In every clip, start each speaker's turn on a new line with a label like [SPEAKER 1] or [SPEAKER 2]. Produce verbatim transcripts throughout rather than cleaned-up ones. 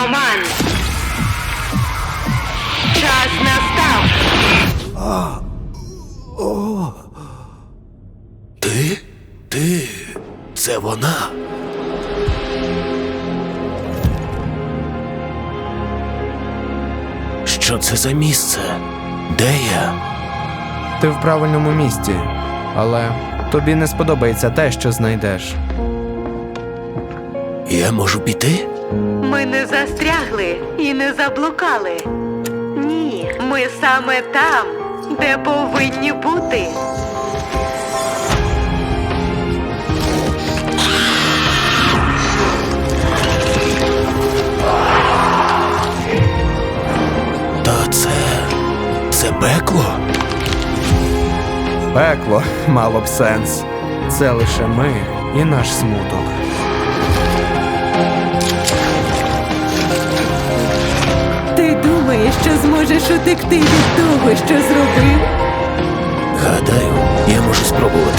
[SPEAKER 1] команд. Час настав.
[SPEAKER 2] А, о, ти? Ти? Це вона? Що це за місце? Де я?
[SPEAKER 3] Ти в правильному місці, але тобі не сподобається те, що знайдеш.
[SPEAKER 2] Я можу піти?
[SPEAKER 1] Ми не застрягли і не заблукали. Ні, ми саме там, де повинні бути.
[SPEAKER 2] Та це... це пекло?
[SPEAKER 3] Пекло мало б сенс. Це лише ми і наш смуток.
[SPEAKER 4] Ти думаєш, що зможеш утекти від того, що зробив?
[SPEAKER 2] Гадаю, я можу спробувати.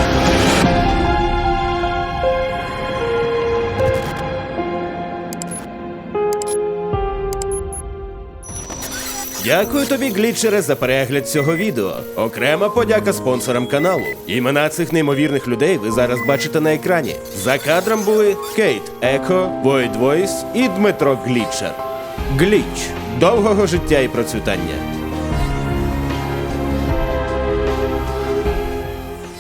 [SPEAKER 5] Дякую тобі, глітчере, за перегляд цього відео. Окрема подяка спонсорам каналу. Імена цих неймовірних людей ви зараз бачите на екрані. За кадром були Кейт Еко, Void Voice і Дмитро Глітчер. Гліч. Довгого життя і процвітання.